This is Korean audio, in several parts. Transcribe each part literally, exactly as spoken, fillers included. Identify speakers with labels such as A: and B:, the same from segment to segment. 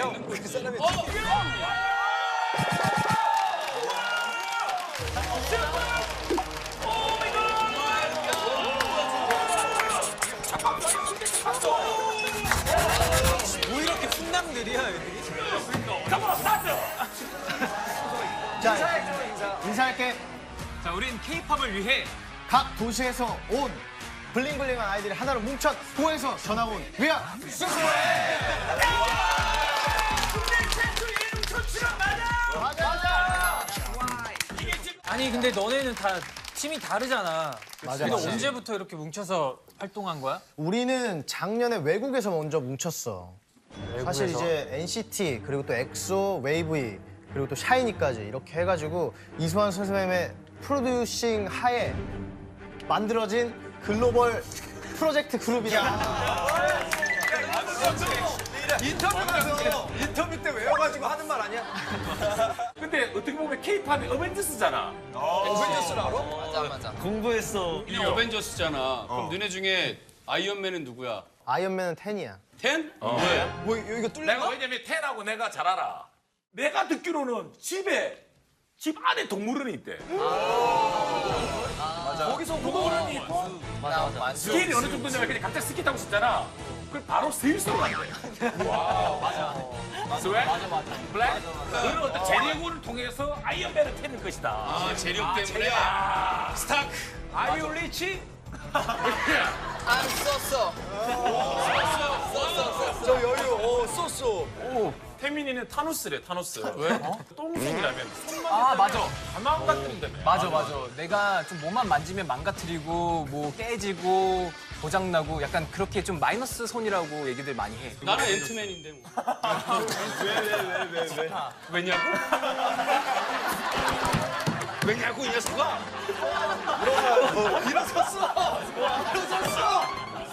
A: 형, 그 사람이. 뭐 이렇게 훈남들이야, 애들이?
B: 자, 인사할게.
A: 자, 우린 케이팝을 위해
B: 각 도시에서 온 블링블링한 아이들이 하나로 뭉쳐 도에서 전학 온 위아
A: 아니 근데 너네는 다 팀이 다르잖아.
B: 맞아,
A: 근데
B: 맞아.
A: 언제부터 이렇게 뭉쳐서 활동한 거야?
B: 우리는 작년에 외국에서 먼저 뭉쳤어. 사실 이제 엔시티 그리고 또 엑소, 웨이브이 그리고 또 샤이니까지 이렇게 해가지고 이수환 선생님의 프로듀싱 하에 만들어진 글로벌 프로젝트 그룹이다.
C: 인터뷰에서 인터뷰 때 외워가지고 하는 말 아니야?
D: 근데 어떻게 보면 케이팝이 어벤져스잖아.
C: 어벤져스를 알아?
E: 공부했어. 이 어벤져스잖아. 그럼 너네 중에 아이언맨은 누구야?
B: 아이언맨은 텐이야.
E: 텐?
D: 어.
E: 왜?
C: 뭐 이거 뚫려?
D: 내가 왜냐면 텐하고 내가 잘 알아. 내가 듣기로는 집에 집 안에 동물원이 있대. 거기서 동물원이 있고 스케일이 어느 정도냐면 그냥 갑자기 스키 타고 싶잖아. 그걸 바로 스위스로 간대. 와 맞아. 스웨? 맞아 맞아. 블랙? 그런 어떤 재력을 통해서 아이언맨을 캐는 것이다.
E: 아, 재력 때문에. 스타크.
D: 아이유 리치?
C: 안 썼어. 저 여유, 어, 썼어.
D: 태민이는 타노스래, 타노스. 왜? 똥손이라면 손만
F: 아 맞아
D: 가만 같은다며.
F: 맞아 맞아 내가 좀 몸만 만지면 망가뜨리고 뭐 깨지고 고장나고 약간 그렇게 좀 마이너스 손이라고 얘기들 많이 해.
E: 나는 앤트맨인데 뭐. 왜, 왜, 왜, 왜, 왜? 왜냐고? 왜냐고, 이 녀석아?
C: 일어섰어. 일어섰어.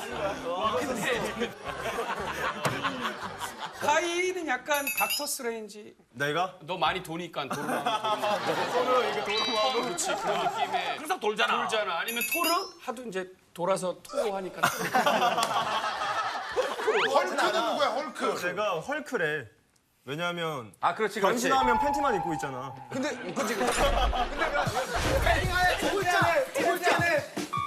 E: 카이는 약간 닥터 스트레인지.
G: 내가?
E: 너 많이 도니까 도르마무, 도르마무. 서로 이거 도르마무. 그렇지, 그런 느낌에.
D: 항상 돌잖아.
E: 돌잖아. 아니면 토르? 하도 이제 돌아서 토하니까.
G: 헐크는 누구야, 헐크? 제가 헐크래. 왜냐하면
D: 아 그렇지 그렇지.
G: 변신하면 팬티만 입고 있잖아.
C: 근데, 그치, 그치. 근데 그, 패딩하에 두 글자네, 두 글자네.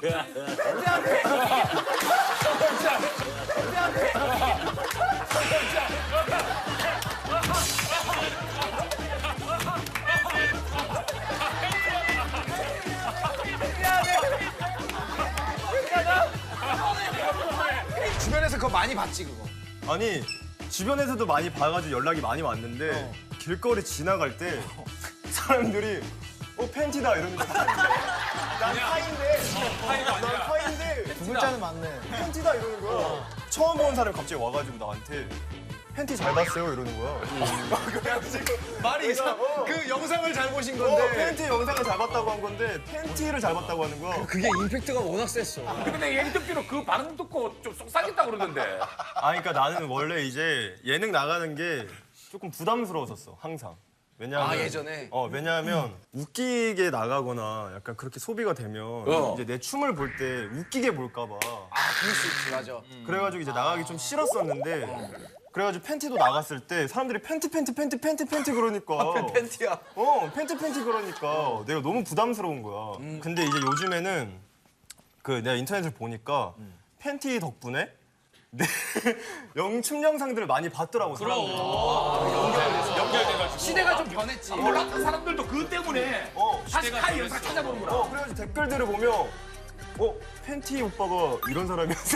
C: 주변에서 그거 많이 봤지, 그거.
G: 아니, 주변에서도 많이 봐가지고 연락이 많이 왔는데 길거리 지나갈 때 사람들이 어, 팬티다 이러는 거야. 난 파인데. 난 파인데.
B: 두 글자는 맞네.
G: 팬티다 이러는 거야. 처음 본 사람이 갑자기 와가지고 나한테 팬티 잘 봤어요 이러는 거야.
C: 그래가지고 말이 이상. 그 영상을 잘 보신
G: 어,
C: 건데.
G: 팬티 영상을 잘 봤다고 한 건데 팬티를 잘 봤다고 하는 거야.
C: 그게 임팩트가 워낙 셌어.
D: 근데 내가 얘기 듣기로 그 반응 듣고 좀 속상했다고 그러던데.
G: 아, 그러니까 나는 원래 이제 예능 나가는 게 조금 부담스러웠었어, 항상. 왜냐하면
C: 아, 예전에?
G: 어, 왜냐하면 웃기게 나가거나 약간 그렇게 소비가 되면
D: 어.
G: 이제 내 춤을 볼 때 웃기게 볼까 봐.
C: 아, 그럴 수 있지, 맞아.
G: 그래가지고 이제 나가기 좀 싫었었는데 그래가지고 팬티도 나갔을 때 사람들이 팬티 팬티 팬티 팬티 팬티 그러니까
C: 팬티야.
G: 어, 팬티 팬티 그러니까 내가 너무 부담스러운 거야. 근데 이제 요즘에는 그 내가 인터넷을 보니까 팬티 덕분에 내 영춤 영상들을 많이 봤더라고. 사람들이.
D: 연결돼가지고.
F: 시대가 좀 변했지.
D: 몰랐던 사람들도 그것 때문에
G: 어,
D: 다시 카이 영상 찾아보는구나.
G: 어, 그래가지고 댓글들을 보면 어, 팬티 오빠가 이런 사람이었어.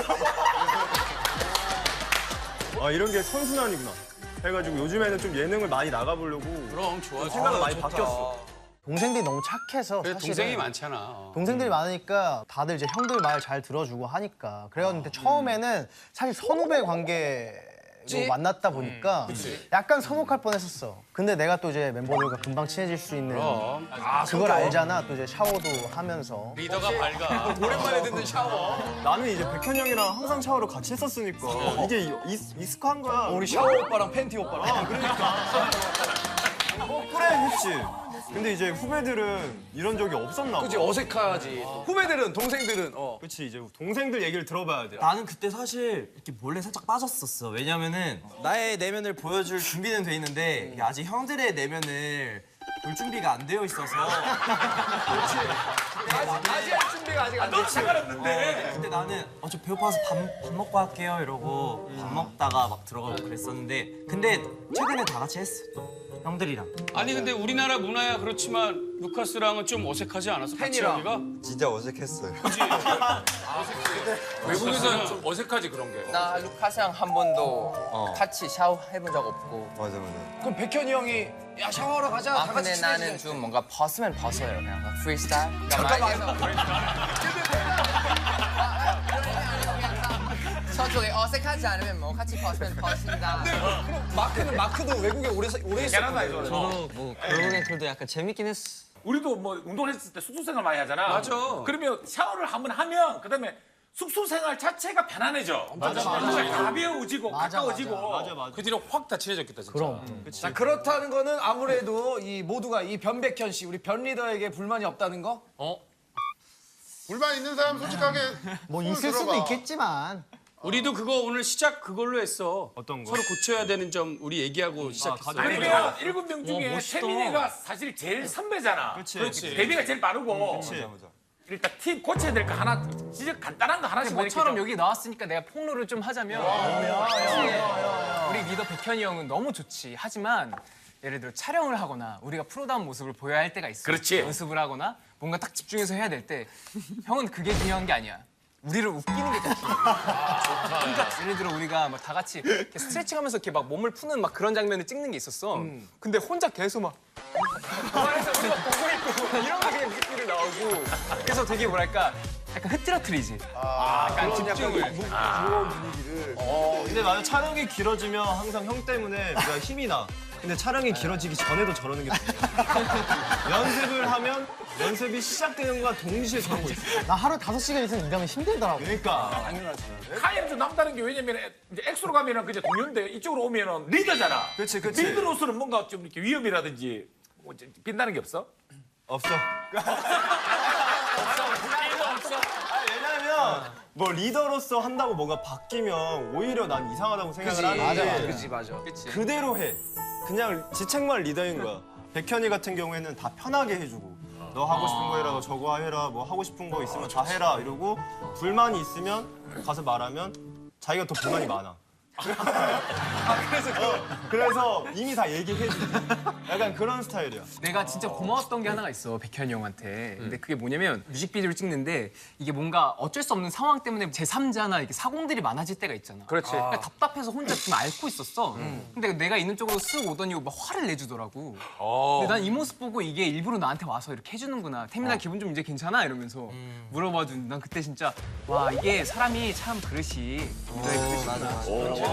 G: 아, 이런 게 선순환이구나. 해가지고 요즘에는 좀 예능을 많이 나가보려고
E: 그럼 좋아.
G: 생각이 많이 바뀌었어.
B: 동생들이 너무 착해서
E: 그래,
B: 사실은
E: 동생이 많잖아. 어.
B: 동생들이 많으니까 다들 이제 형들 말 잘 들어주고 하니까 그래였는데 처음에는 사실 선후배 관계로 만났다 보니까 약간 서먹할 뻔했었어. 근데 내가 또 이제 멤버들과 금방 친해질 수 있는
E: 그럼.
B: 그걸 알잖아. 또 이제 샤워도 하면서
E: 리더가 밝아.
C: 오랜만에 듣는 샤워.
G: 나는 이제 백현 형이랑 항상 샤워를 같이 했었으니까 이게 익- 익숙한 거야.
C: 우리 샤워 오빠랑 팬티 오빠랑.
G: 아, 그러니까. 어, 그래 했지. 근데 이제 후배들은 이런 적이 없었나 봐.
C: 그치 어색하지. 후배들은 동생들은 어.
G: 그치 이제 동생들 얘기를 들어봐야 돼.
H: 나는 그때 사실 이렇게 몰래 살짝 빠졌었어. 왜냐면은 나의 내면을 보여줄 준비는 돼 있는데 이게 아직 형들의 내면을 볼 준비가 안 되어 있어서.
C: 아직 할 준비가 아직 안 됐지.
D: 상관없는데.
H: 근데 나는 어, 저 배고파서 밥, 밥 먹고 할게요 이러고 밥 먹다가 막 들어가고 그랬었는데 근데 최근에 다 같이 했어. 형들이랑.
D: 아니 근데 우리나라 문화야 그렇지만 루카스랑은 좀 어색하지 않았어?
C: 팬이랑.
D: 같이
I: 진짜 어색했어요.
D: 외국에서는 좀 어색하지 그런 게.
F: 나 루카스랑 한 번도 같이 샤워해본 적 없고.
I: 맞아 맞아.
C: 그럼 백현이 형이 야 샤워하러 가자.
F: 아
C: 다 같이
F: 근데 나는
C: 친해지자.
F: 좀 뭔가 벗으면 벗어요. 그냥 프리스타일.
C: 잠깐만.
F: 저쪽에 어색하지 않으면 뭐 같이 벗으면 벗는다.
C: 마크는 마크도 외국에 오래 사- 오래 있었거든.
H: 저도 뭐 결국엔 그래도 약간 재밌긴 했어.
D: 우리도 뭐 운동했을 때 숙소 생활 많이 하잖아.
A: 맞아.
D: 그러면 샤워를 한번 하면 그다음에 숙소 생활 자체가 편안해져. 맞아 맞아. 가벼워지고 가까워지고.
G: 맞아 맞아.
A: 그 뒤로 확 다 친해졌겠다 진짜.
B: 그럼.
C: 자 그렇다는 거는 아무래도 이 모두가 이 변백현 씨 우리 변 리더에게 불만이 없다는 거?
E: 불만 있는 사람 솔직하게
B: 뭐
E: 손을
B: 있을 수도
E: 들어봐.
B: 있겠지만
D: 우리도 그거 오늘 시작 그걸로 했어.
G: 어떤 거?
D: 서로 고쳐야 되는 점 우리 얘기하고 시작했어.
G: 가장-
D: 그러면 일곱 명 중에 태민이가 사실 제일 선배잖아.
G: 그렇지.
D: 데뷔가 제일 빠르고.
G: 그치.
D: 일단 팁 고쳐야 될 거 하나 진짜 간단한 거 하나씩
F: 모처럼 여기 나왔으니까 내가 폭로를 좀 하자면 사실 우리 리더 백현이 형은 너무 좋지. 하지만 예를 들어 촬영을 하거나 우리가 프로다운 모습을 보여야 할 때가 있어.
D: 그렇지.
F: 연습을 하거나 뭔가 딱 집중해서 해야 될 때 형은 그게 중요한 게 아니야. 우리를 웃기는 게 더 중요해. 그러니까 예를 들어 우리가 막 다 같이 이렇게 스트레칭하면서 이렇게 막 몸을 푸는 막 그런 장면을 찍는 게 있었어. 근데 혼자 계속 막 그래서 우리가 보고 있고 이런 게 그냥 뮤직비디오 나오고 그래서 되게 뭐랄까 약간 흐트러트리지. 약간 집중을.
G: 근데 맞아 촬영이 길어지면 항상 형 때문에 내가 힘이 나. 근데 촬영이 길어지기 전에도 저러는 게 좋아. 연습을 하면 연습이 시작되는 거와 동시에 저러고 있어.
B: 나 하루 다섯 시간 이상 일하면 힘들더라고.
G: 그러니까
D: 카이는 좀 남다른 게 왜냐면 이제 엑소로 가면은 그냥 동료인데 이쪽으로 오면은 리더잖아.
G: 그치, 그치.
D: 리더로서는 뭔가 좀 이렇게 위험이라든지 뭐 이제 빛나는 게 없어?
G: 없어. 아니, 왜냐면 뭐 리더로서 한다고 뭐가 바뀌면 오히려 난 이상하다고 생각을 하는데
C: 그지 맞아.
G: 그대로 해. 그냥 지책만 리더인 거야. 백현이 같은 경우에는 다 편하게 해주고 너 하고 싶은 거 해라, 너 저거 해라, 뭐 하고 싶은 거 있으면 다 해라 이러고 불만이 있으면 가서 말하면 자기가 더 불만이 많아. 그래서 그, 그래서 이미 다 얘기해 줘. 약간 그런 스타일이야.
F: 내가 진짜 고마웠던 게 하나가 있어 백현이 형한테. 근데 그게 뭐냐면 뮤직비디오를 찍는데 이게 뭔가 어쩔 수 없는 상황 때문에 제삼자나 이렇게 사공들이 많아질 때가 있잖아.
D: 그렇지.
F: 그러니까 답답해서 혼자 좀 앓고 있었어. 근데 내가 있는 쪽으로 쓱 오더니 막 화를 내주더라고. 근데 난 이 모습 보고 이게 일부러 나한테 와서 이렇게 해주는구나. 태민아 기분 좀 이제 괜찮아? 이러면서 물어봐준. 난 그때 진짜 와 이게 사람이 참 그릇이 너의 그릇이 맞아 맞아.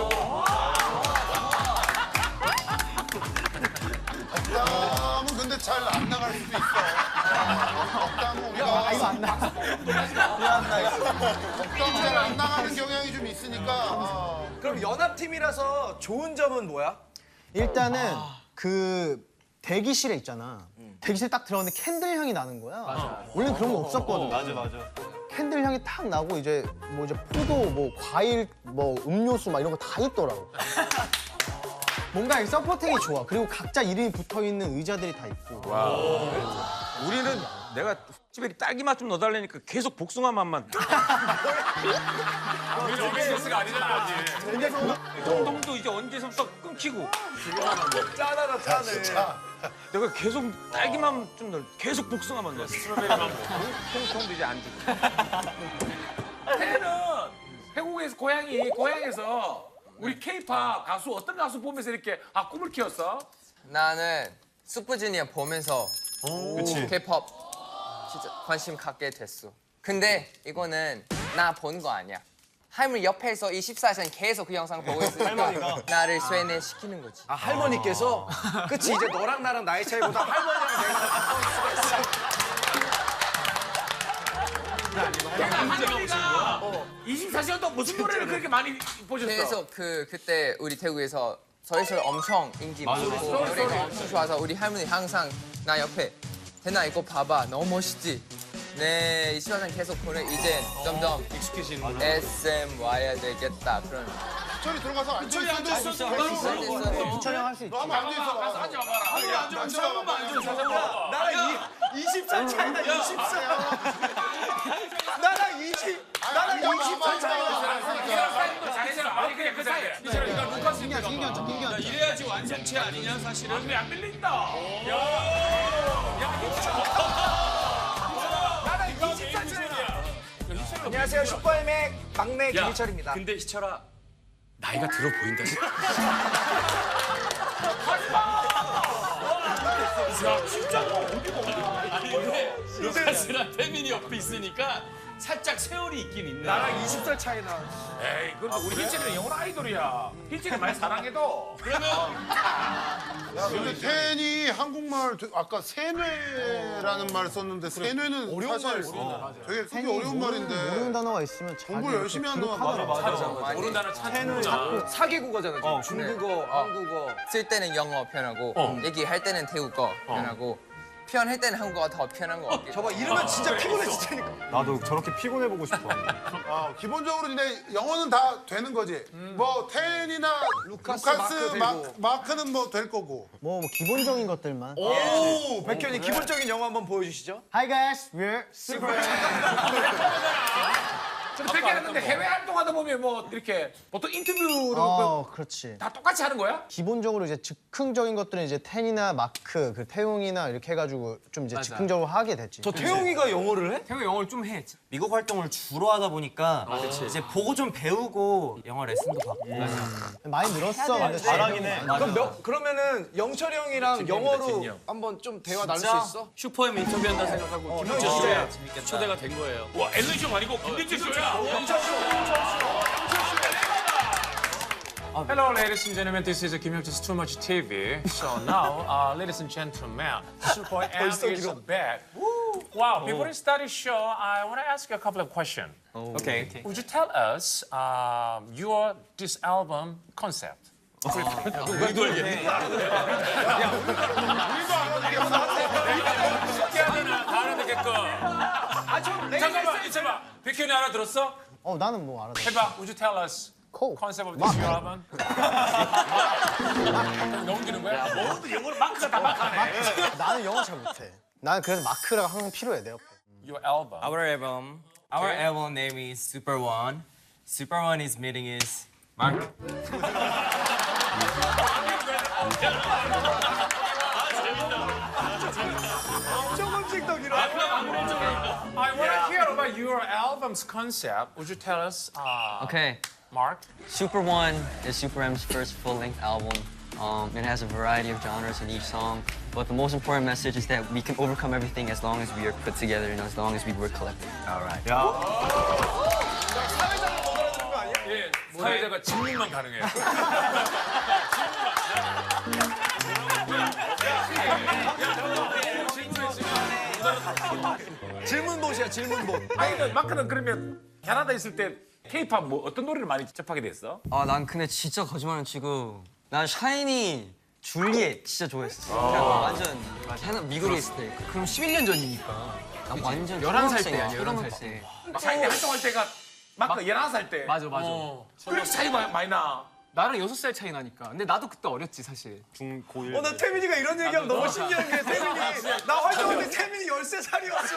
E: 덕담은 근데 잘 안 나갈 수도 있어. 덕담은 우리가 이거 안 나. 덕담 잘 안 나가는 경향이 좀 있으니까. 어.
C: 그럼 연합팀이라서 좋은 점은 뭐야?
B: 일단은 그 대기실에 있잖아. 대기실 딱 들어갔는데 캔들 향이 나는 거야. 원래 그런 거 없었거든.
G: 맞아 맞아.
B: 캔들 향이 탁 나고 이제 뭐 이제 포도, 뭐 과일, 뭐 음료수 막 이런 거 다 있더라고. 뭔가 이 서포팅이 좋아. 그리고 각자 이름이 붙어 있는 의자들이 다 있고.
J: 우리는 내가 집에 딸기 맛 좀 넣어달라니까 계속 복숭아 맛만.
D: 우리 오비에스가 아니잖아 아직.
J: 동동도 이제 언제서부터 끊기고.
C: 짠하다 짠해.
J: 내가 계속 딸기 맛 좀 넣어. 계속 복숭아 맛 넣어. 스트로베리 맛 넣어. 통통도 이제 안 주고.
D: 태는 태국에서 고향이 고향에서 우리 케이팝 가수 어떤 가수 보면서 이렇게 아 꿈을 키웠어?
F: 나는 슈퍼주니어 보면서
G: 그치.
F: K-팝 진짜 관심 갖게 됐어. 근데 이거는 나 본 거 아니야. 할머니 옆에서 이십사 시간 계속 그 영상 보고 있으니까
G: 할머니가?
F: 나를 쇠뇌시키는 거지.
C: 아 할머니께서 그치 이제 너랑 나랑 나이 차이보다 할머니랑 내가 더 수가 있어.
D: 할머니가 이십사 시간 동안 무슨 노래를 그렇게 많이 보셨어?
F: 계속 그 그때 우리 태국에서 소리소리 엄청 인기 많고 노래가 엄청 좋아서 우리 할머니 항상 나 옆에 대나 이거 봐봐 너무 멋있지? 네, 이 시간은 계속 보내 이제 점점 에스엠 와야 되겠다 그런
E: 저리 들어가서 앉아 있어도
B: 부천이 형 할 수 있지.
E: 너 한번 앉아 있어.
D: 가서 앉아봐라.
E: 앉아 앉아 앉아.
C: 나랑 이십 살 차이나 이십 살. 나랑 이십 나랑 이십 살 차이나.
D: 잘해라. 아니 그냥 그 사이에. 이철아 네가 루카스
B: 김기현, 김기현, 저 김기현.
D: 이래야지 완성체 아니냐 사실은. 왜안 밀린다. 야. 야 나랑 이십 살 차이야.
C: 안녕하세요 슈퍼엠의 막내
D: 야,
C: 김희철입니다.
D: 근데 희철아 나이가 들어 보인다. 야 진짜 아니 근데 루카스랑 태민이 옆에 있으니까 살짝 세월이 있긴 있네.
C: 나랑 이십 살 차이나.
D: 에이 그래도 우리 hil치는 영원 아이돌이야. hil치는 많이 사랑해도. 그러면
E: 야, 근데 텐이 한국말 되- 아까 세뇌라는 말 썼는데 세뇌는 어려운 사실 되게 크게 어려운 말인데
B: 모르는 단어가 있으면 자기
E: 공부 열심히 하는 동안 맞아 맞아.
D: 모르는 단어 찾는구나.
C: 사개 국어잖아. 지금. 중국어, 한국어.
F: 쓸 때는 영어 편하고 얘기할 때는 태국어 편하고 표현할 때는 한국어가 더 편한 거 같아.
C: 저봐 이러면 진짜 피곤해지다니까.
G: 나도 저렇게 피곤해 보고 싶어.
E: 아, 기본적으로 근데 영어는 다 되는 거지. 뭐 텐이나 루카스,
C: 마크 되고.
E: 마크, 마크는 뭐 될 거고.
B: 뭐, 뭐 기본적인 것들만.
C: 오, 백현이 기본적인 영어 한번 보여주시죠.
B: Hi guys, we're super.
D: 근데 백개는 근데 해외 활동하다 보면 뭐 이렇게 보통 인터뷰를
B: 어, 그렇지.
D: 다 똑같이 하는 거야?
B: 기본적으로 이제 즉흥적인 것들은 이제 텐이나 마크, 그 태용이나 이렇게 해가지고 좀 이제 즉흥적으로 하게 됐지.
C: 저 태용이가 영어를 해?
F: 태국 영어를 좀 해.
H: 미국 활동을 주로 하다 보니까 이제 보고 좀 배우고 영어 레슨도 받고.
B: 많이 늘었어. 근데
G: 잘하긴 해.
C: 그럼 몇, 그러면은 영철이 형이랑 영어로 한번 좀 대화 나눌 수 있어?
J: 슈퍼엠 인터뷰한다 생각하고 김민재
C: 진짜
J: 쇼에 초대가 된 거예요.
D: 와 앨런 쇼 아니고 김민재 쇼야.
A: Hello, ladies and gentlemen. This is Kim Hyuk-ja's Too Much T V. So now, uh, ladies and gentlemen, Super M is back. Wow! Before we start the show, I want to ask you a couple of questions.
F: Okay.
A: Would you tell us um, your this album concept?
D: 우리도 알겠네. 하면은 다 알아듣게끔. 잠깐만 있어봐. 백현이 알아들었어?
B: 어, 나는 뭐 알아.
A: 해봐. Would you tell us
B: 코.
A: concept of this your album? 넘기는 거야?
D: 모두 영어로 마크가 다 마크하네.
B: 나는 영어 잘 못해. 나는 그래서 마크가 항상 필요해, 내 옆에.
A: Your album.
H: Our album, our album name is Super One. Super One is meaning is Mark.
A: I want to hear about your album's concept. Would you tell us, uh,
I: Okay,
A: Mark?
I: Super One is Super M's first full-length album. Um, it has a variety of genres in each song, but the most important message is that we can overcome everything as long as we are put together and as long as we work collectively.
D: 예, 사회자가 질문만 가능해요.
C: 질문봇이야 질문봇.
D: 아니, 그 마크는 그러면 캐나다 있을 때 K-팝 뭐 어떤 노래를 많이 접하게 됐어?
I: 아, 난 근데 진짜 거짓말은 치고 난 샤이니, 줄리엣 진짜 좋아했어. 그냥 완전 캐나 미국에 있을 때. 그럼 십일 년 전이니까. 난 완전
F: 열한 살
I: 초등학생이야,
F: 때야,
I: 열한
F: 열한
I: 살 때.
D: 샤이니 활동할 때가 마크 열한 살 때.
F: 맞아 맞아.
D: 그렇게 차이 많이 많이 나.
F: 나랑 여섯 살 차이 나니까. 근데 나도 그때 어렸지 사실.
G: 중고일.
C: 어, 나 태민이가 이런 얘기하면 너무 신기한 게 태민이 나 활동할 때 태민이 열세 살이었어.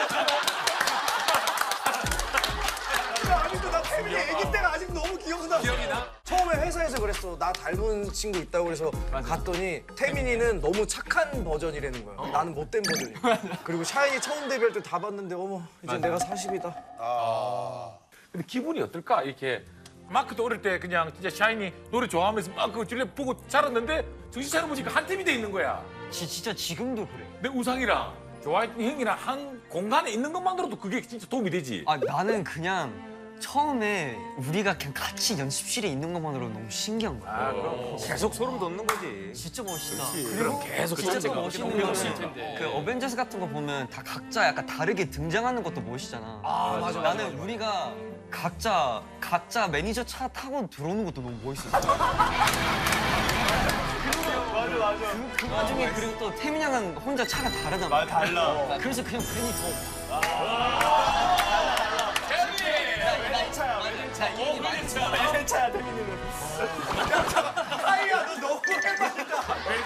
C: 아직도 나 태민이 아기 때가 아직 너무 기억나.
D: 기억이 나?
C: 처음에 회사에서 그랬어. 나 닮은 친구 있다고 그래서 갔더니 태민이는 너무 착한 버전이라는 거야. 나는 못된 버전이야. 그리고 샤이니 처음 데뷔할 때 다 봤는데 어머 이제 내가 사십이다.
D: 근데 기분이 어떨까? 이렇게 마크도 어릴 때 그냥 진짜 샤이니 노래 좋아하면서 막 그 줄리 보고 자랐는데 정신 차려보니까 한 팀이 돼 있는 거야.
I: 지, 진짜 지금도 그래.
D: 내 우상이랑 좋아했던 형이랑 한 공간에 있는 것만으로도 그게 진짜 도움이 되지.
I: 아, 나는 그냥 처음에 우리가 그냥 같이 연습실에 있는 것만으로 너무 신기한 거야.
D: 아, 그럼
J: 계속 소름 돋는 거지.
I: 진짜 멋있다.
D: 그럼 계속
I: 진짜 또
D: 자체가
I: 멋있는
D: 그렇게
I: 거는
D: 멋있을 텐데.
I: 그 어벤져스 같은 거 보면 다 각자 약간 다르게 등장하는 것도 멋있잖아.
C: 아 맞아.
I: 나는 우리가 각자 각자 매니저 차 타고 들어오는 것도 너무 멋있었어. 그, 그 와중에 그리고 또 태민 양은 혼자 차가 다르단
G: 말
I: 말이야.
G: 달라.
I: 그래서 그냥 괜히 더.
F: 자, 이게 맞아.
G: 세차야 태민이는.
C: 하이야 너 너무 해맑다.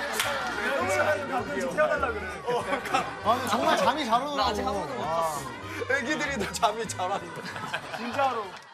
G: 가끔씩 태워달라 그래.
B: 아, 근데 정말 잠이 잘 오더라고.
I: 나 아직 한 번도 못 잤어.
C: 애기들이 더 잠이 잘 왔는데.
G: 진짜로.